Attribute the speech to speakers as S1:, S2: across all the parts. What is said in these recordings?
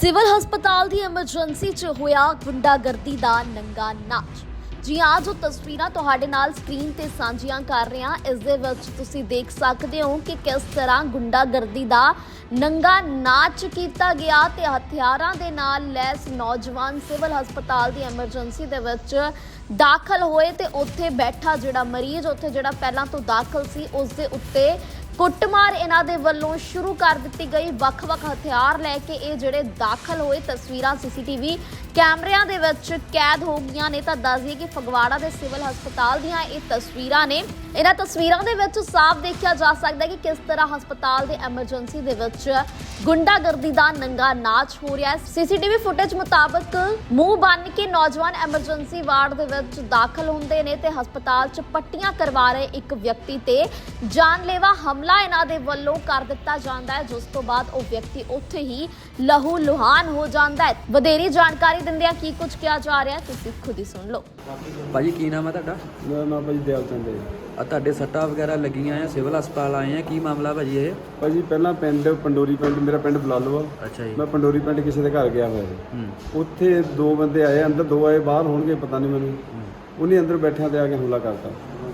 S1: Civil ਹਸਪਤਾਲ ਦੀ emergency 'ਚ ਹੋਇਆ ਗੁੰਡਾਗਰਦੀ ਦਾ ਨੰਗਾ ਨਾਚ। ਜੀ ਹਾਂ, ਜੋ ਤਸਵੀਰਾਂ ਤੁਹਾਡੇ ਨਾਲ ਸਕਰੀਨ ਤੇ ਸਾਂਝੀਆਂ ਕਰ ਰਹੇ ਹਾਂ, ਇਸ ਦੇ ਵਿੱਚ ਤੁਸੀਂ ਦੇਖ ਸਕਦੇ ਹੋ ਕਿ ਕਿਸ ਤਰ੍ਹਾਂ ਗੁੰਡਾਗਰਦੀ ਦਾ ਨੰਗਾ ਨਾਚ ਕੀਤਾ ਗਿਆ ਤੇ ਹਥਿਆਰਾਂ ਦੇ ਨਾਲ ਲੈਸ ਨੌਜਵਾਨ ਸਿਵਲ ਹਸਪਤਾਲ ਦੀ ਐਮਰਜੈਂਸੀ ਦੇ ਵਿੱਚ ਦਾਖਲ ਹੋਏ ਤੇ ਉੱਥੇ ਬੈਠਾ ਜਿਹੜਾ ਮਰੀਜ਼ ਉੱਥੇ ਜਿਹੜਾ ਪਹਿਲਾਂ ਤੋਂ ਦਾਖਲ ਸੀ ਉਸ ਦੇ ਉੱਤੇ ਕੁੱਟਮਾਰ ਇਹਨਾਂ ਦੇ ਵੱਲੋਂ ਸ਼ੁਰੂ ਕਰ ਦਿੱਤੀ ਗਈ। ਵੱਖ-ਵੱਖ ਹਥਿਆਰ ਲੈ ਕੇ ਇਹ ਜਿਹੜੇ ਦਾਖਲ ਹੋਏ, ਤਸਵੀਰਾਂ ਸੀਸੀਟੀਵੀ ਕੈਮਰਿਆਂ ਦੇ ਵਿੱਚ ਕੈਦ ਹੋ ਗਈਆਂ ਨੇ। ਤਾਂ ਦੱਸ ਦਈਏ ਕਿ ਫਗਵਾੜਾ ਦੇ ਸਿਵਲ ਹਸਪਤਾਲ ਦੀਆਂ ਇਹ ਤਸਵੀਰਾਂ ਨੇ। ਇਹਨਾਂ ਤਸਵੀਰਾਂ ਦੇ ਵਿੱਚ ਸਾਫ਼ ਦੇਖਿਆ ਜਾ ਸਕਦਾ ਹੈ ਕਿ ਕਿਸ ਤਰ੍ਹਾਂ ਹਸਪਤਾਲ ਦੇ ਐਮਰਜੈਂਸੀ ਦੇ ਵਿੱਚ ਗੁੰਡਾਗਰਦੀ ਦਾ ਨੰਗਾ ਨਾਚ ਹੋ ਰਿਹਾ ਹੈ। ਸੀਸੀਟੀਵੀ ਫੁਟੇਜ ਮੁਤਾਬਕ ਮੂੰਹ ਬੰਨ੍ਹ ਕੇ ਨੌਜਵਾਨ ਐਮਰਜੈਂਸੀ ਵਾਰਡ ਦੇ ਵਿੱਚ ਦਾਖਲ ਹੁੰਦੇ ਨੇ ਤੇ ਹਸਪਤਾਲ 'ਚ ਪੱਟੀਆਂ ਕਰਵਾ ਰਹੇ ਇੱਕ ਵਿਅਕਤੀ ਤੇ ਜਾਨਲੇਵਾ ਹਮਲਾ ਇਹਨਾਂ ਦੇ ਵੱਲੋਂ ਕਰ ਦਿੱਤਾ ਜਾਂਦਾ ਹੈ, ਜਿਸ ਤੋਂ ਬਾਅਦ ਉਹ ਵਿਅਕਤੀ ਉੱਥੇ ਹੀ ਲਹੂ ਲੁਹਾਨ ਹੋ ਜਾਂਦਾ ਹੈ। ਵਧੇਰੀ ਜਾਣਕਾਰੀ ਦਿੰਦਿਆਂ ਕੀ ਕੁਝ ਕਿਹਾ ਜਾ ਰਿਹਾ ਤੁਸੀਂ ਖੁਦ ਹੀ ਸੁਣ ਲਓ।
S2: ਭਾਜੀ ਕੀ ਨਾਮ ਹੈ ਤੁਹਾਡਾ?
S3: ਮੇਰਾ ਨਾਮ ਭਾਜੀ ਦਿਆਲ ਚੰਦ ਹੈ।
S2: ਆ ਤੁਹਾਡੇ ਸੱਟਾਂ ਵਗੈਰਾ ਲੱਗੀਆਂ ਆ, ਸਿਵਲ ਹਸਪਤਾਲ ਆਏ ਆ, ਕੀ ਮਾਮਲਾ ਭਾਜੀ ਇਹ?
S3: ਭਾਜੀ ਪਹਿਲਾਂ ਪੰਡੋਰੀ ਪਿੰਡ, ਮੇਰਾ ਪਿੰਡ ਬਲਾਲੋ ਆ।
S2: ਅੱਛਾ ਜੀ।
S3: ਮੈਂ ਪੰਡੋਰੀ ਪਿੰਡ ਕਿਸੇ ਦੇ ਘਰ ਗਿਆ ਹੋਇਆ ਸੀ। ਉੱਥੇ ਦੋ ਬੰਦੇ ਆਏ, ਅੰਦਰ ਦੋ ਆਏ, ਬਾਹਰ ਹੋਣਗੇ ਪਤਾ ਨਹੀਂ ਮੈਨੂੰ। ਉਹਨੇ ਅੰਦਰ ਬੈਠਿਆਂ ਤੇ ਆ ਕੇ ਹਮਲਾ ਕਰਤਾ।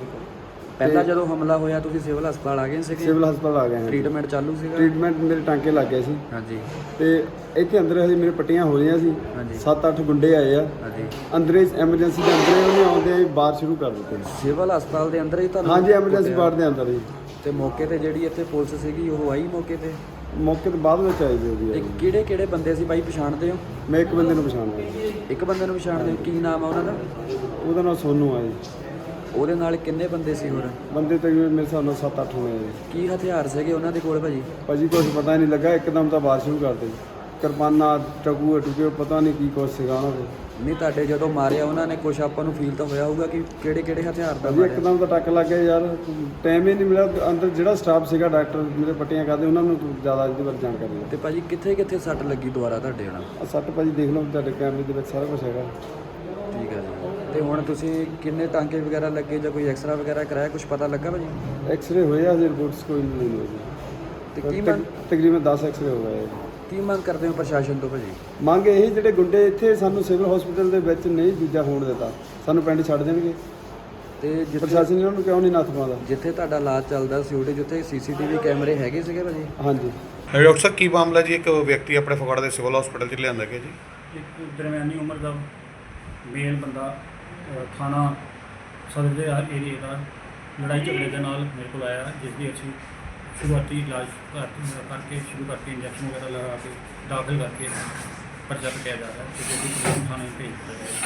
S2: ਪਹਿਲਾਂ ਜਦੋਂ ਹਮਲਾ ਹੋਇਆ ਤੁਸੀਂ ਸਿਵਲ ਹਸਪਤਾਲ ਆ ਗਏ ਸੀਗੇ?
S3: ਸਿਵਲ ਹਸਪਤਾਲ ਆ ਗਏ ਹਾਂ।
S2: ਟ੍ਰੀਟਮੈਂਟ ਚਾਲੂ ਸੀਗਾ?
S3: ਟ੍ਰੀਟਮੈਂਟ ਮੇਰੇ ਟਾਂਕੇ ਲੱਗ ਗਏ ਸੀ।
S2: ਹਾਂਜੀ।
S3: ਤੇ ਇੱਥੇ ਅੰਦਰ ਹਜੇ ਮੇਰੇ ਪੱਟੀਆਂ ਹੋ ਰਹੀਆਂ ਸੀ।
S2: ਹਾਂਜੀ।
S3: 7-8 ਗੁੰਡੇ ਆਏ ਆ।
S2: ਹਾਂਜੀ।
S3: ਅੰਦਰੇ ਐਮਰਜੈਂਸੀ ਦੇ ਅੰਦਰੇ ਉਹਨੇ ਆਉਂਦੇ ਹੀ ਬਾਹਰ ਸ਼ੁਰੂ ਕਰ ਦਿੱਤੇ।
S2: ਸਿਵਲ ਹਸਪਤਾਲ ਦੇ ਅੰਦਰ ਹੀ ਤੁਹਾਨੂੰ?
S3: ਹਾਂਜੀ, ਐਮਰਜੈਂਸੀ ਵਾਰਡ ਦੇ ਅੰਦਰ ਹੀ।
S2: ਤੇ ਮੌਕੇ ਤੇ ਜਿਹੜੀ ਇੱਥੇ ਪੁਲਿਸ ਸੀਗੀ ਉਹ ਆਈ ਮੌਕੇ ਤੇ?
S3: ਮੌਕੇ ਤੋਂ ਬਾਅਦ ਵਿੱਚ ਆਈ ਜੀ ਉਹਦੀ।
S2: ਤੇ ਕਿਹੜੇ ਕਿਹੜੇ ਬੰਦੇ ਸੀ ਬਾਈ, ਪਛਾਣਦੇ ਹੋ?
S3: ਮੈਂ ਇੱਕ ਬੰਦੇ ਨੂੰ ਪਛਾਣਦਾ।
S2: ਇੱਕ ਬੰਦੇ ਨੂੰ ਪਛਾਣਦੇ ਹੋ, ਕੀ ਨਾਮ ਆ ਉਹਨਾਂ ਦਾ?
S3: ਉਹਦਾ ਨਾਮ ਸੋਨੂ ਆ ਜੀ।
S2: ਉਹਦੇ ਨਾਲ ਕਿੰਨੇ ਬੰਦੇ ਸੀ ਹੋਰ?
S3: ਬੰਦੇ ਤਕਰੀਬਨ ਮੇਰੇ ਹਿਸਾਬ ਨਾਲ 7-8 ਹੋਣੇ ਆ ਜੀ।
S2: ਕੀ ਹਥਿਆਰ ਸੀਗੇ ਉਹਨਾਂ ਦੇ ਕੋਲ ਭਾਜੀ?
S3: ਭਾਜੀ ਕੁਛ ਪਤਾ ਨਹੀਂ ਲੱਗਾ, ਇੱਕਦਮ ਤਾਂ ਬਾਰਿਸ਼ ਸ਼ੁਰੂ ਕਰ ਦਿੱਤੀ। ਕਿਰਪਾਨਾਂ, ਟਕੂਏ ਟੁਕੇ, ਪਤਾ ਨਹੀਂ ਕੀ ਕੁਛ ਸੀਗਾ ਉਹਨਾਂ ਕੋਲ।
S2: ਨਹੀਂ ਤੁਹਾਡੇ ਜਦੋਂ ਮਾਰਿਆ ਉਹਨਾਂ ਨੇ ਕੁਛ ਆਪਾਂ ਨੂੰ ਫੀਲ ਤਾਂ ਹੋਇਆ ਹੋਊਗਾ ਕਿ ਕਿਹੜੇ ਕਿਹੜੇ ਹਥਿਆਰ ਦਾ
S3: ਭਾਜੀ
S2: ਮਾਰਿਆ?
S3: ਇੱਕਦਮ ਤਾਂ ਟੱਕ ਲੱਗ ਗਿਆ ਯਾਰ, ਟਾਈਮ ਹੀ ਨਹੀਂ ਮਿਲਿਆ। ਅੰਦਰ ਜਿਹੜਾ ਸਟਾਫ ਸੀਗਾ, ਡਾਕਟਰ ਮੇਰੇ ਪੱਟੀਆਂ ਕਰਦੇ, ਉਹਨਾਂ ਨੂੰ ਜ਼ਿਆਦਾ ਇਹਦੇ ਬਾਰੇ ਜਾਣਕਾਰੀ
S2: ਤੇ ਭਾਜੀ ਕਿੱਥੇ ਕਿੱਥੇ ਸੱਟ ਲੱਗੀ ਦੁਬਾਰਾ ਤੁਹਾਡੇ ਨਾਲ?
S3: ਆ। ਸੱਟ ਭਾਜੀ ਦੇਖ ਲਓ, ਤੁਹਾਡੇ ਕੈਮਰੇ ਦੇ ਵਿੱਚ ਸਾਰਾ ਕੁਝ ਹੈਗਾ।
S2: ਠੀਕ ਹੈ ਜੀ। ਤੇ ਹੁਣ ਤੁਸੀਂ ਕਿੰਨੇ ਟਾਂਕੇ ਵਗੈਰਾ ਲੱਗੇ ਜਾਂ ਕੋਈ ਐਕਸਰਾ ਵਗੈਰਾ ਕਰਾਇਆ, ਕੁਝ ਪਤਾ ਲੱਗਾ ਭਾਜੀ?
S3: ਐਕਸਰੇ ਹੋਏ ਆ, ਰਿਪੋਰਟਸ ਕੋਈ ਨਹੀਂ ਹੋਈ ਜੀ।
S2: ਤੇ ਕੀ ਮੰਗ
S3: ਤਕਰੀਬਨ 10 ਐਕਸਰੇ ਹੋ ਗਏ।
S2: ਕੀ ਮੰਗ ਕਰਦੇ ਹੋ ਪ੍ਰਸ਼ਾਸਨ ਤੋਂ ਭਾਜੀ?
S3: ਮੰਗ ਇਹੀ, ਜਿਹੜੇ ਗੁੰਡੇ ਇੱਥੇ ਸਾਨੂੰ ਸਿਵਲ ਹਸਪੀਟਲ ਦੇ ਵਿੱਚ ਨਹੀਂ ਦੂਜਾ ਹੋਣ ਦਿੱਤਾ, ਸਾਨੂੰ ਪਿੰਡ ਛੱਡ ਦੇਣਗੇ।
S2: ਤੇ
S3: ਪ੍ਰਸ਼ਾਸਨ ਇਹਨਾਂ ਨੂੰ ਕਿਉਂ ਨਹੀਂ ਨੱਥ ਪਾਉਂਦਾ?
S2: ਜਿੱਥੇ ਤੁਹਾਡਾ ਇਲਾਜ ਚੱਲਦਾ ਸੀ ਉਹਦੇ ਜਿੱਥੇ ਸੀਸੀਟੀਵੀ ਕੈਮਰੇ ਹੈਗੇ ਸੀਗੇ ਭਾਜੀ?
S3: ਹਾਂਜੀ।
S4: ਡਾਕਟਰ ਸਾਹਿਬ ਕੀ ਮਾਮਲਾ ਜੀ? ਇੱਕ ਵਿਅਕਤੀ ਆਪਣੇ ਫਗਵਾੜਾ ਦੇ ਸਿਵਲ ਹਸਪੀਟਲ 'ਚ ਲਿਆਂਦਾ ਗਿਆ ਜੀ।
S5: ਇੱਕ ਦਰਮਿਆਨੀ ਉਮਰ ਦਾ ਮੇਲ ਬੰਦਾ ਥਾਣਾ ਸਦਰ ਦੇ ਏਰੀਏ ਦਾ ਲੜਾਈ ਝਗੜੇ ਦੇ ਨਾਲ ਮੇਰੇ ਕੋਲ ਆਇਆ, ਜਿਸ ਦੀ ਅਸੀਂ ਸ਼ੁਰੂਆਤੀ ਇਲਾਜ ਕਰਕੇ ਸ਼ੁਰੂ ਕਰਕੇ ਇੰਜੈਕਸ਼ਨ ਵਗੈਰਾ ਲਗਾ ਕੇ ਦਾਖਲ ਕਰਕੇ ਪਰਚਾ ਕੱਟਿਆ ਜਾ ਰਿਹਾ ਹੈ ਤੇ ਜਿਹੜੀ ਪੁਲਿਸ ਥਾਣੇ ਭੇਜ ਦਿੱਤਾ ਗਿਆ।